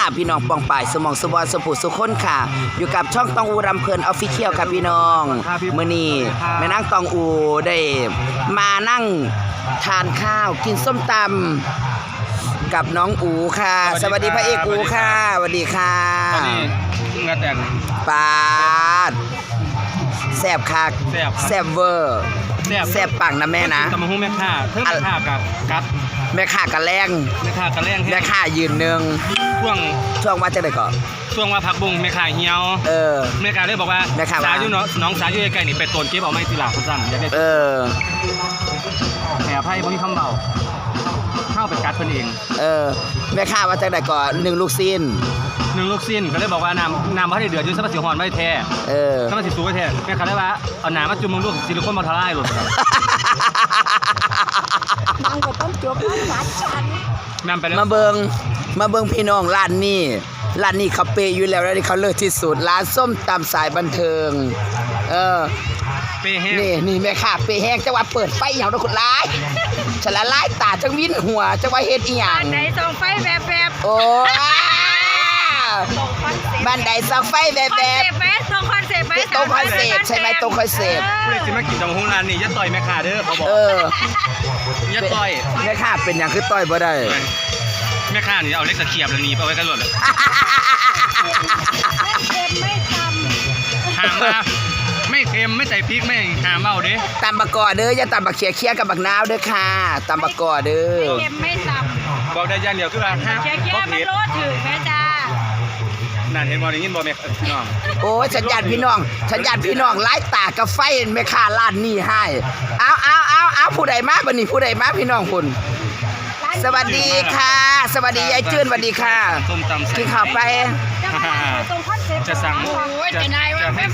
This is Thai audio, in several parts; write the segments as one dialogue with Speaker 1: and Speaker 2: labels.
Speaker 1: พี่น้องปองป่ายสมองสวรรค์สปุสุคนค่ะอยู่กับช่องตองอูรำเพลินออฟฟิเชียลค่ะพี่น้องมื้อนี้แม่นั่งตองอูได้มานั่งทานข้าวกินส้มตำกับน้องอูค่ะสวัสดีพระเอกอูค่ะสวัสดีค่ะ
Speaker 2: งานแต่ง
Speaker 1: ปาดแซ่บคักแซ่บเวอร์แซ่บปังนะแม่นะ
Speaker 2: ตำมะฮุ่งแม่ข่าเพิ่มแม่ข่ากับกัด
Speaker 1: แม่ข่ากะแรง
Speaker 2: แม่ข่ากะแรง
Speaker 1: แม่ข่ายืนหนึ่งช่วงว่าจะได้ก่อน
Speaker 2: ช่วงว่าพักบุ้งแม่ข่าเหี่ยวแม่ข่าเลยบอกว่าสาอยู่น้องสาอยู่ใกล้ๆนี่ไปต้นเก็บเอาไม้ตีหลักคนสั้นอยากได้แหน่ไพ่บ่มีคำเบาเข้าไปกัดเพิ่นเอง
Speaker 1: แม่ข่าว่าจะได้ก่อน1 ลูกซีน
Speaker 2: ก็เลยบอกว่าน้ำพระได้เดือดอยู่สักสิหอนไว้แท้ถ้ามันสิสูไว้แท้แม่ข่าได้ว่าเอาน้ำมาจุ่มมึงลูกซิลิโคนมาทลายหลุด
Speaker 3: นางก็ต้องจบร้านฉัน
Speaker 1: มาเบิงพี่น้องร้านนี้เขาเปย์อยู่แล้วร้านนี้เขาเลิศที่สุดร้านส้มตำสายบันเทิง
Speaker 2: เปย์แห้ง
Speaker 1: นี่แม่ค่ะเปย์แห้งจังหวะเปิดไฟเหี่ยวทุกคนร้ายฉันละลายตาจังวินหัวจังหวะเฮ็ดอีหยัง
Speaker 3: บ้านใดส่องไฟแบบ
Speaker 1: โอ้บ้านใดส่องไฟแบบ
Speaker 3: ตรงคอนเซ็ปต์ไหม
Speaker 1: ตรงคอนเซ็ปต์ใช่ไหมตรงคอนเซ็ปต์
Speaker 2: ผู้ใดสิมากินตำมะฮุ่งร้านนี้อย่าต่อยแม่ข่าเด้อเขาบอกอย่าต่อย
Speaker 1: แม่ข่าเป็นอย่างคือต่อยบ่ได้
Speaker 2: แม่ข่านี่เอาเล็กตะเขียบแล้วหนีไปไว้กันหมดเลย
Speaker 3: ไม่ท
Speaker 2: ำหามมาไม่เค็มไม่ใส่พริกไม่หามเอาเด้
Speaker 1: ตำบักกอเด้ออย่าตำบักเคี้ยกับบักนาวเด้อค่ะตำบักกอเด้อ
Speaker 3: เค็มไม่ทำ
Speaker 2: บอกได้ย่างเดียวคือว่า
Speaker 3: เคี้ยมันรสถึงแม่จ้า
Speaker 2: นั่นเห็นบอลยินบอลแม่พี่น้อง
Speaker 1: โอ้ฉันญาติพี่น้องไล่ตากับไฟแม่ข่าร้านนี้ให้เอาผู้ใดมาบัดนี้ผู้ใดมาพี่น้องคุณสวัสดีค่ะสวัสดียายจื้นสวัสดีค่ะกินข้าวไป
Speaker 2: จะสั่ง
Speaker 3: จะนายว่าแม่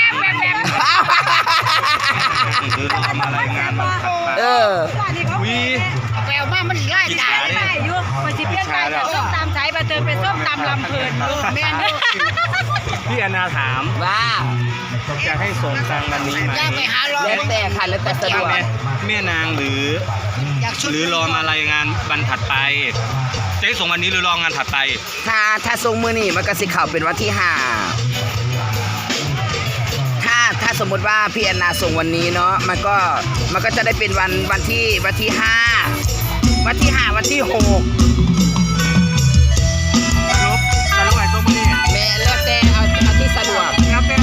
Speaker 2: มารายงานมา
Speaker 3: วีแววมามันไล่ตาได้ยุ่งมันสิเปลี่ยนไปจากส้มตำสายบันเทิงเป็นส้มตำลำเพลินแม่นึก
Speaker 2: พี่อนาถาม
Speaker 1: ว่า
Speaker 2: จะให้ส่งตังวันนี้ไหม
Speaker 1: แล้วแต่ค่ะแล้วแต่สะดวก
Speaker 2: แม่นางหรือรอมารายงานวันถัดไปจะให้ส่งวันนี้หรือรองานถัดไป
Speaker 1: ถ้าส่งมื้อนี้มันก็สิเข้าเป็นวันที่5ถ้าสมมติว่าพี่แอนนาส่งวันนี้เนาะมันก็จะได้เป็นวันที่5วันที่6
Speaker 2: สรุปไอ้ตัวมื้อนี้
Speaker 1: แม่แล้วแต่เอาที่สะดวก
Speaker 2: แล้วแต่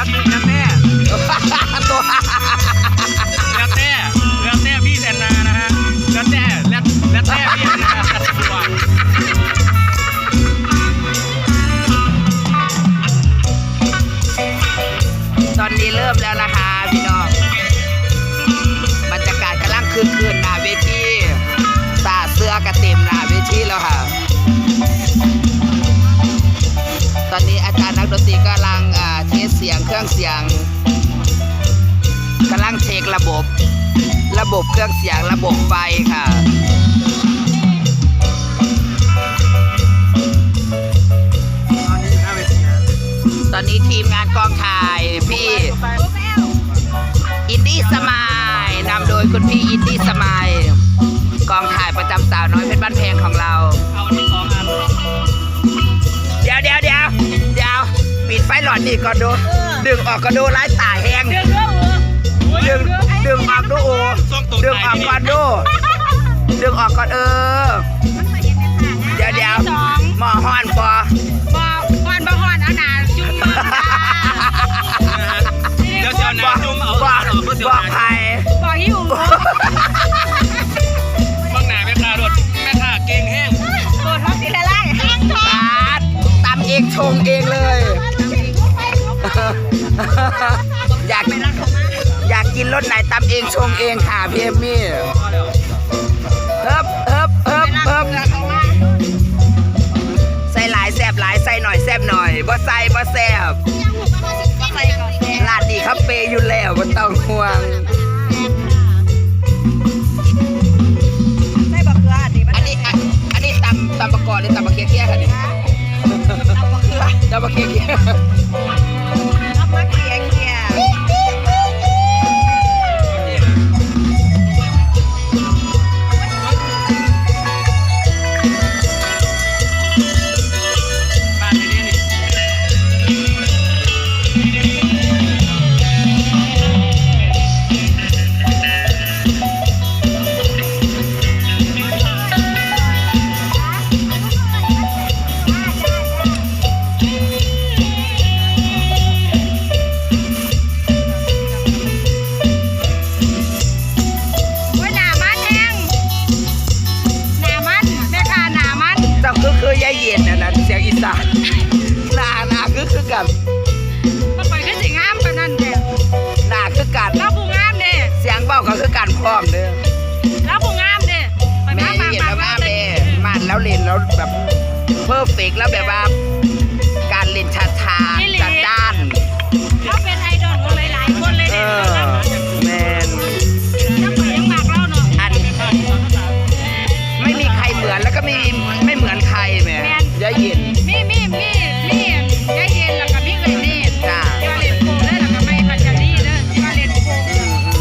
Speaker 2: พี่แอนนานะฮะแล้วแต่พี่แอนนาสะดวก
Speaker 1: ตอนนี้เริ่มแล้วนะคะพี่น้องบรรยากาศกำลังคืนหน้าเวทีตาเสื้อกระเต็มหน้าเวทีแล้วค่ะตอนนี้อาจารย์นักดนตรีกำลังเทสเสียงเครื่องเสียงกำลังเช็คระบบเครื่องเสียงระบบไฟค่ะตอนนี้ทีมงานกองถ่ายพี่อินดี้สมายนำโดยคุณพี่อินดี้สมายกองถ่ายประจำสาวน้อยเพชรบ้านแพงของเราเดี๋ยวปิดไฟหลอดนี่ก่อนดูดึงออกก็ดูไล่ตาแห้งดึงออกดูดึงออกก่อนดูดึงออกก่อนเดี๋ยวหมอฮอนปอ
Speaker 3: เอาหนาจุ่ม
Speaker 2: เดี๋ยวหนาจุ่มเอา
Speaker 1: บอกใคร
Speaker 3: บอกหิว
Speaker 2: บางหนาแม่ข่าเก่งแห้ง
Speaker 3: โดนท้องทีละไล่
Speaker 1: ตำเองชงเองเลยอยากกินรสไหนตำเองชงเองค่ะพี่เอมมี่เฮิบใส่หลายแซ่บหลายใส่หน่อยแซ่บหน่อยบ่ใส่บ่แซ่บร้านนี้เขาเปย์อยู่แล้วบ่ต้องห่วง
Speaker 3: ใส่บักเขืออัน
Speaker 1: นี้ตำบักกอหรือตำบักเคี้ยค่ะนี่ตำบักเคี้ยแล้วแบบเพอร์เฟกต์แล้วแบบว่าการเล่นชาทาจัดด้าน
Speaker 3: เขาเป็นไอดอลของหลายๆคนเลย
Speaker 1: เอ
Speaker 3: เนี่ย
Speaker 1: อแมน
Speaker 3: ยังไปยังมากเล่าเนาะ
Speaker 1: อันไม่มีใครเหมือนแล้วก็ไม่เหมือนใครแหม่ยะเย็น
Speaker 3: มียายเย็นแล้วก็มีเอ้ยเนต
Speaker 1: จ้า
Speaker 3: ที่ว่าเล่นโกงเด้อแล้วก็ไม่พัชรีเด้อที่ว่าเล่นโกง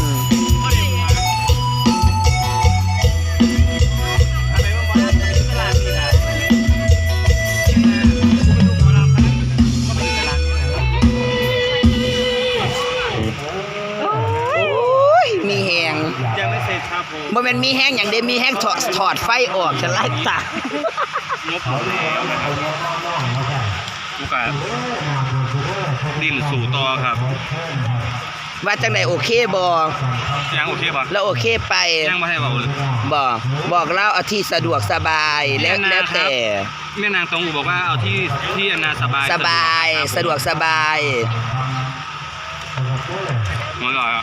Speaker 1: โอ้ยมีแหง
Speaker 2: ยังไม่เสร็จครับผม
Speaker 1: บ่แม่นมีแห้งอย่างเดียวมีแห้งถอดไฟออกฉันไล่ตาง
Speaker 2: บหมดแล้วกูกะดิ้นสู่ต่อครับ
Speaker 1: ว่าจังไดโอเคบ่
Speaker 2: ยังโอเคป่ะ
Speaker 1: แล้วโอเคไป
Speaker 2: ยังไม่ให้บอกเลย
Speaker 1: บอกเล่าเอาที่สะดวกสบายแล้วแต่
Speaker 2: แม่นางตองอูบอกว่าเอาที่อนาสบาย
Speaker 1: สบายสะดวกสบาย
Speaker 2: หมดแล้ว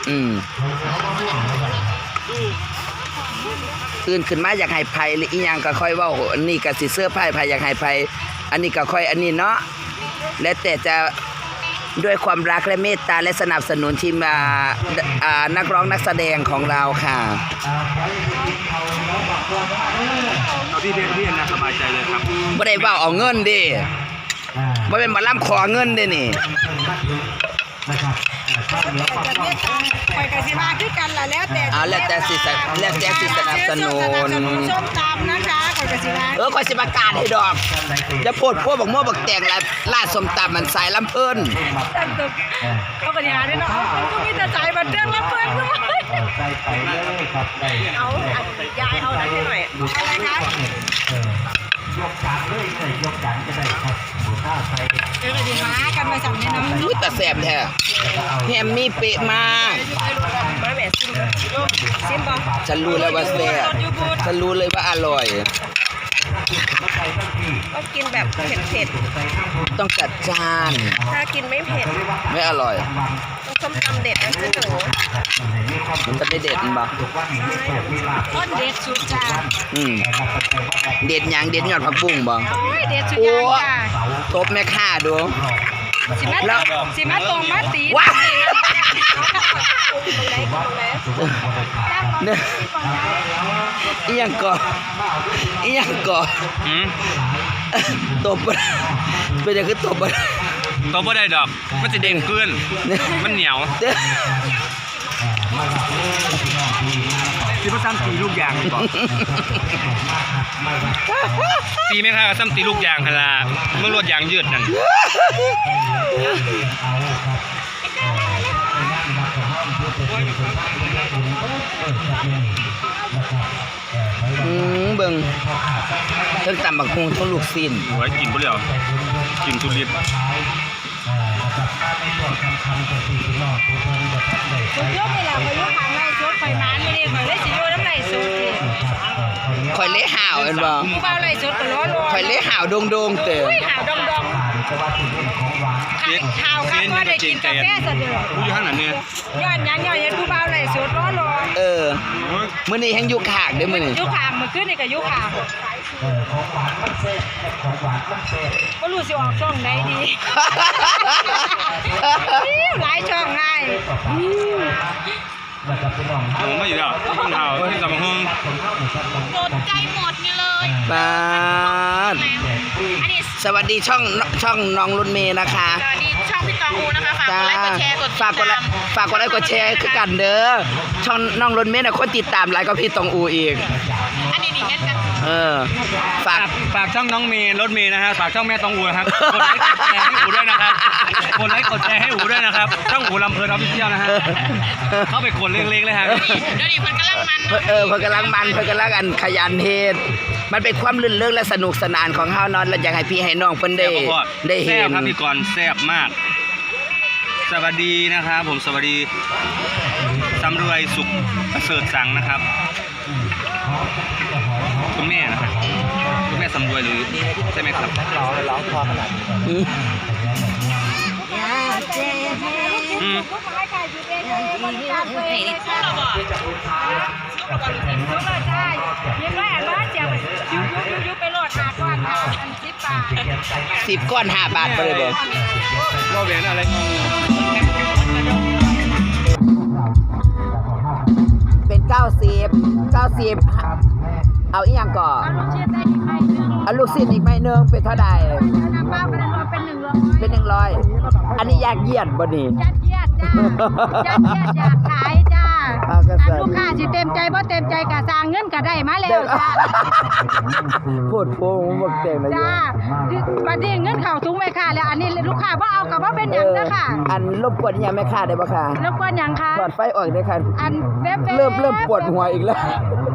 Speaker 1: ตื่นขึ้นมาอยากให้ไผหรืออีหยังก็ค่อยเว้าอันนี้ก็สิเสื้อไผอยากให้ไผอันนี้ก็ค่อยอันนี้เนาะแล้วแต่จะด้วยความรักและเมตตาและสนับสนุนทีมนักร้องนักแสดงของเราค่ะ
Speaker 2: เอาที่อนาสบายใจเลยครับ
Speaker 1: บ่ได้เว้าเอาเงินเด้บ่เป็นหมอลำขอเงินเด้นี่
Speaker 3: คอยกสิมาคือกันล่ะแล้วแต่
Speaker 1: แล้วแต่สิสนับสนุน
Speaker 3: ส้มตำนะคะคอยกสิมา
Speaker 1: คอยสิประกาศให้ดอกจะโพดพวกบักม่วบักแตงลาดสมตำมันสายลำเพิ่น
Speaker 3: เขาก็อย่าด้วยเนาะก็มีแต่ใจบันเทิงรับเพื่อนด้วยเอายายเอาได้หน่อยอะไรคะยกจานเลยยกจานก็ได้ครับเดี๋ยวดีมากันมาสั่งนี่เนาะ
Speaker 1: อุ้ยแต่แสบแท้แฮมมี่เป๊ะมาก
Speaker 3: มาแหม่ซิมบอ
Speaker 1: ฉันรู้แล้วว่าแซ่บฉันรู้เลยว่าอร่อย
Speaker 3: ต้องกินแบบเผ็ด
Speaker 1: ต้องจัดจาน
Speaker 3: ๆถ้ากินไม่เผ็ด
Speaker 1: ไม่อร่อย
Speaker 3: ต้องส้มตำเด็ดนะคือหนู
Speaker 1: มันจะไม่เด็ดมั้ย
Speaker 3: ต้นเด็ดสุดจ้า
Speaker 1: เด็ดหยังเด็ดยอดผักบุ้งบ่
Speaker 3: เด็ดสุดยอดจ้า
Speaker 1: ตบแม่ค้าดู
Speaker 3: สิมาตรงมาตี
Speaker 1: ว้าเนี่ยอีหยังก่อตบเป็นอย่างคือตบ
Speaker 2: ตัวบ่ได้ดอกมันจะเด้งขึ้นมันเหนียวที่พ่อซ้ำตีลูกยางก่อนตีไหมครับซ้ำตีลูกยางฮะล่ะเมื่อรวดยางยืดนั่น
Speaker 1: เบิ่งทั้งตำบักฮุงทั้งลูกชิ้น
Speaker 2: โอ้ยกินบ่แล้วกินทุเรียน
Speaker 3: สุดยอดเลยล่ะพายุทางไร่สุดไฟมันไม่ได้คอยเล่สิโยน้ำไหลสุด
Speaker 1: ข่อยเละห่าวเห็นบ่
Speaker 3: ผู้เบาไหลสุดก็ร้อน
Speaker 1: ข่อยเละห่าวโดงเต๋อ
Speaker 3: หาวดองข่าวครับว่าได้กินกาแฟสะเดือ
Speaker 2: ผู้อยู่ข้างนั้นเนี่ย
Speaker 3: ย้อนยังเห็นผู้เบาไหลสุดร้อน
Speaker 1: มื้อนี้แฮงอยู่ขากเด้อมื้อนี้
Speaker 3: ยุคางมันขึ้นนี่กับยุคางก็รู้สิออกช่องไหนดีหลายช่องง่าย
Speaker 2: ผมไม่อยู่แล้วต้องเท้าที่สมอง
Speaker 3: สนใจหมดนี่เลย
Speaker 1: ปาดสวัสดีช่องน้องรุ่นเมย์นะคะ
Speaker 3: สวัสดีช่องพี่ตองอูนะคะฝากกดไลค์กดแชร์กด
Speaker 1: ฝากกดไลค์กดแชร์คือกันเด้อช่องน้องรุ่นเมย์น่ะคนติดตามหลายกว่าพี่ตองอูอีก
Speaker 3: อันนี้นี่เห็นกัน
Speaker 1: ฝาก
Speaker 2: ช่องน้องเมย์รถเมย์นะฮะฝากช่องแม่ตองอูนะครับกดไลค์กดแชร์ให้อูด้วยนะครับกดไลค์กดแชร์ให้อูด้วยนะครับช่องอูลำเพลินออฟฟิเชียลนะฮะเข้าไปกดเล็กๆเลยฮะ
Speaker 3: เดี๋ยวนี้คนกำลังมัน
Speaker 1: เพิ่นกำลังอันขยันเฮ็ดมันเป็นความลื่นเริงและสนุกสนานของเฮาเนาะและอยากให้พี่ให้น้องเพิ่นได้เห็
Speaker 2: แซ่บ
Speaker 1: น
Speaker 2: ครับพี่กรณ์แซ่บมากสวัสดีนะครับผมสวัสดีสำรวยสุขประเสริฐสังนะครับคุณแม่นะครับคุณแม่สำรวยหรือใช่ไหมครับ
Speaker 1: ร้องพอขนาด
Speaker 3: ลูกไม้ไก่หยิบเองบริการตัวเองเลยค่ะลูกเลยใช่ยิบไว้อันว่าเจียวยุบไปโหลดหาก่อนค่ะอัน10 บาท
Speaker 1: 10 ก้อน5 บาทไปเลยบอก
Speaker 2: ว่าเวียนอะไรงง
Speaker 1: เป็น90เอาอีกอย่างก่อน
Speaker 3: เอาลูกชิ้นได้อีกใบหนึ่ง
Speaker 1: เอาลูกศิษย์อีกใบหนึงเป็นเท่าใด
Speaker 3: น้ำเปล่าก็ได้รวมเป็น100
Speaker 1: เป็น100อันนี้อยากเยียดบ่นี่
Speaker 3: ยัดเยียดจ้ายัดเยียดอยากขายจ้า
Speaker 1: เอากระสัน
Speaker 3: ลูกค้าสิเต็มใจบ่เต็มใจก็สร้างเงินก็ได้มาแล้วจ้า
Speaker 1: พูดโป้งบ่เก่งนะ
Speaker 3: จ้าบัดนี้เงินเข้าถุงแม่ค้าแล้วอันนี้ลูกค้าบ่เอาก็บ่เป็นหยังเด้อค่ะ
Speaker 1: อันรบกวนอีหยังแม่ค้าได้บ่ค่ะ
Speaker 3: รบกวนหยังคะ
Speaker 1: ถอดไฟออกได้ค่ะ
Speaker 3: อันเว็บ
Speaker 1: เริ่มปวดหัวอีกแล้ว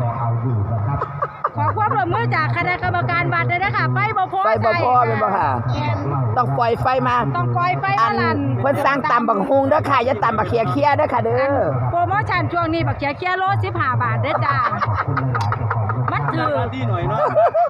Speaker 3: ขอความร่วมมือจากคณะกรรมการวัดด้วยนะคะไฟบ่พอ
Speaker 1: ไฟบ่พอเป็นบ่ค่ะ ต้องปล่อยไฟมา
Speaker 3: ต้องปล่อยไฟ
Speaker 1: อั
Speaker 3: มาน ลั่น
Speaker 1: เพิ่นสร้างตำบักฮุงเด้อค่ะอย่าตำบักเคียเด้อค่ะเด้อ
Speaker 3: โปรโมชั่นช่วงนี้บักเขียโล15 บาทเด้อจ้ามันถือ
Speaker 2: ที่หน่อยเนาะ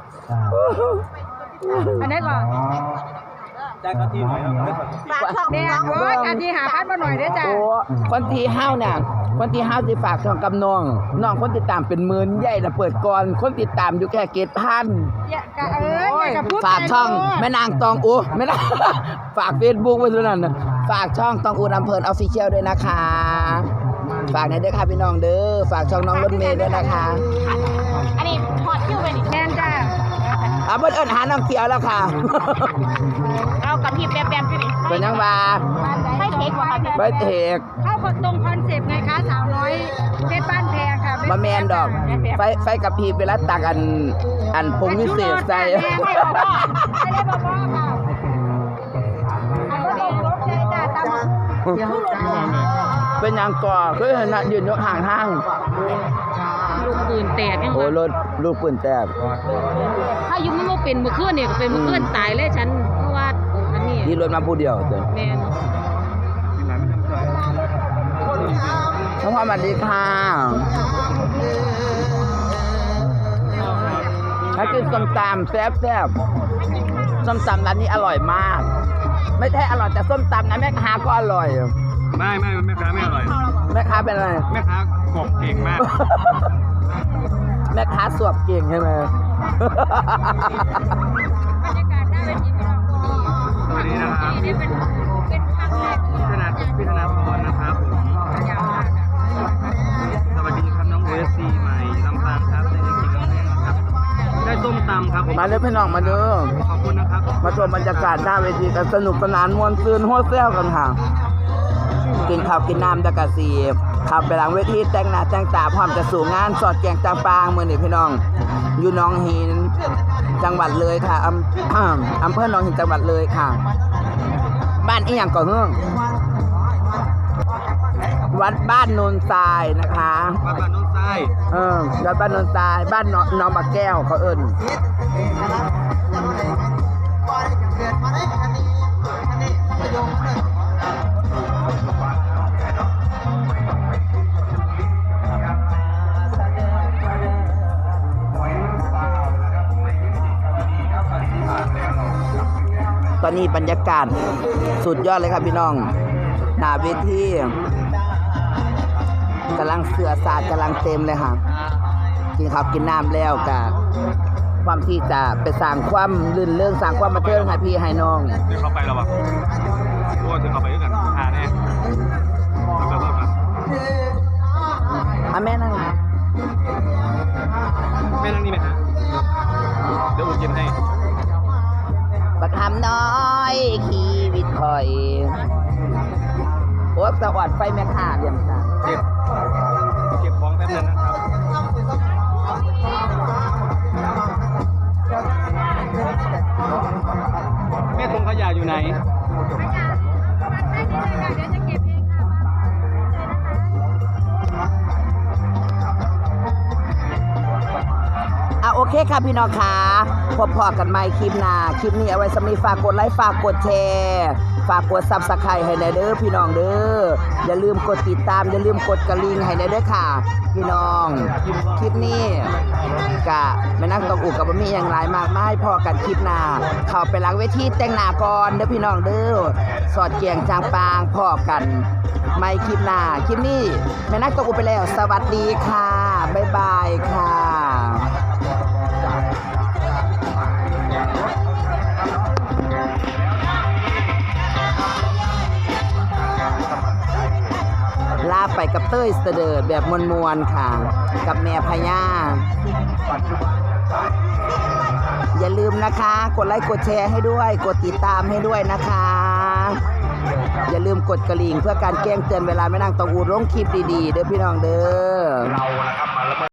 Speaker 3: อันนี้ก่อน
Speaker 2: ได้ก็ที่หน่อยเนาะ
Speaker 3: แม่โอ้ยการที่หาพัดมาหน่อยเด้อจ้า
Speaker 1: โอ้คนที่ห้าวเนี่ยคนที่ห้าวสิฝากช่องกับน้องคนติดตามเป็นหมื่นใหญ่น่ะเปิดก่อนคนติดตามอยู่แค่7,000
Speaker 3: อย่ากะอย่ากะพูด
Speaker 1: ฝากช่องแม่นางตองอูแม่นาง ฝาก Facebook ไว้ด้วยนั่นน่ะฝากช่องตองอูลำเพลิน Official ด้วยนะคะ ฝากในเด้อค่ะพี่น้องเด้อฝากช่องน้องรถเมย์ด้วยนะคะ
Speaker 3: อันนี้ฮอดคิวไปนี่แทนจ้า
Speaker 1: เพิ่นเอิ้นหาน้องเขียวแล้วค่ะ
Speaker 3: เอากับพี่แป๊บๆอยู่นี่
Speaker 1: เป็นยังว่า
Speaker 3: ไฟเค้กบ่คะพี่
Speaker 1: ไปเทก
Speaker 3: เข้าตรงคอนเซปต์ไงคะสาวน้อยเพชรบ้านแพงค่ะ
Speaker 1: บ่แม่นดอก ไฟกับพีเวลาตักอันผงวิเศษใส่
Speaker 3: ไม่ได้บอกค่ะอันก็ต้องรถใจจ้าตาม
Speaker 1: เป็นหยังก่อคือเห็นน่ะยืนอยู่ห่างทาง
Speaker 3: ลูกปืนแตกยัง
Speaker 1: โอ้รถลูกปืนแตก
Speaker 3: ถ้ายุมันบ่เป็นเมื่อคืนนี่ก็เป็นเมื่อคืนตายเลยฉันเพราะว่าอันนี้
Speaker 1: ที่รถมาผู้เดียวเด้อ
Speaker 3: แม่น
Speaker 1: น้องพ่อสวัสดีค่ะถ้ากินส้มตำแซ่บส้มตำร้านนี้อร่อยมาก ไม่ใช่อร่อยแต่ส้มตำนะแม่ค้าก็อร่อย
Speaker 2: ไม่แม่ค้าไม่อร่อย
Speaker 1: แม่ค้าเป็นอะไร
Speaker 2: แม่ค้ากบเก่งมาก
Speaker 1: แม่ค้าสวบเก่งใช่ไหม
Speaker 3: บรรยากาศน่าเป็นที่พี่น้อง
Speaker 2: สวัสดีนะครับ
Speaker 3: นี่เป็นครั้งแรกที่
Speaker 2: พี่ธนาพรนะครับผม
Speaker 3: ยาวมาก
Speaker 2: สวัสดีครับน้องเอสซีใหม่ลำปางครับได้กินกาแฟนะครับได้ส้มตำครับผม
Speaker 1: มาเลยพี่น้องมาเด้อ
Speaker 2: ขอบคุณนะครับ
Speaker 1: มาชมบรรยากาศหน้าเวทีกันสนุกสนานมวนซืนหัวเซี่ยวกันค่ะ กินข้าวกินน้ำดากาซีขับไปหลังเวทีแต่งหน้าแต่งตาพร้อมจะสู่งานสอดแกงจางปางมือนี่พี่น้อง อยู่หนองหินจังหวัดเลยค่ะอำเภอหนองหินจังหวัดเลยค่ะ บ้านอีหยังก่อนเฮืองวัดบ้านโนนทรายนะคะ
Speaker 2: วัดบ้านโน้นทราย
Speaker 1: วัดบ้านโนนทรายบ้านน้องบักแก้วเขาเอิ้น ตอนนี้บรรยากาศสุดยอดเลยครับพี่น้องหน้าเวทีกำลังเสือสาดกำลังเต็มเลยค่ะกินข้าวกินน้ำแล้วกับความที่จะไปสร้างความลื่นเรื่องสร้างความบันเทิงให้พี่ให้น้อง
Speaker 2: เดี๋ยวเข้าไปแล้วป่ะโอ้เดี๋ยวเข้าไปด้วยกันหาแน่เอาไปว่ากัน
Speaker 1: แม่นั่ง
Speaker 2: แม่นั่งนี่ไหมฮะเดี๋ยวอุ่นเย็นให้
Speaker 1: ประคำน้อยชีวิตคอยโอ้สวัสดไฟแม่ข่าเรียมตา
Speaker 2: เก็บของแป๊บนึงนะครับแม่ตรงขยะอยู่ไหน
Speaker 1: โอเคค่ะพี่น้องค่ะพบพอกันใหม่คลิปหน้าคลิปนี้เอาไว้สำหรับฝากกดไลค์ฝากกดแชร์ฝากกด Subscribe ให้ในเด้อพี่น้องเด้ออย่าลืมกดติดตามอย่าลืมกดกระลิ่งให้ในเด้อค่ะพี่น้องคลิปนี้กะแม่นักตองอุกกับบะหมี่อย่างไรมากมายพอกันคลิปหน้าเข้าไปหลังเวทีแต่งหน้าก่อนเด้อพี่น้องเด้อสอดแจงจางปางพอกันไม่คลิปหน้าคลิปนี้แม่นักตองอูไปแล้ว สวัสดีค่ะ บ๊ายบายค่ะ ลาไปกับเต้ยเสดิร์ดแบบมวลๆค่ะ กับแม่พญาอย่าลืมนะคะ กดไลค์กดแชร์ให้ด้วย กดติดตามให้ด้วยนะคะ อย่าลืมกดกระลิ่งเพื่อการแจ้งเตือนเวลาแม่นางตองอูลงคลิปดีๆเด้อพี่น้องเด้อ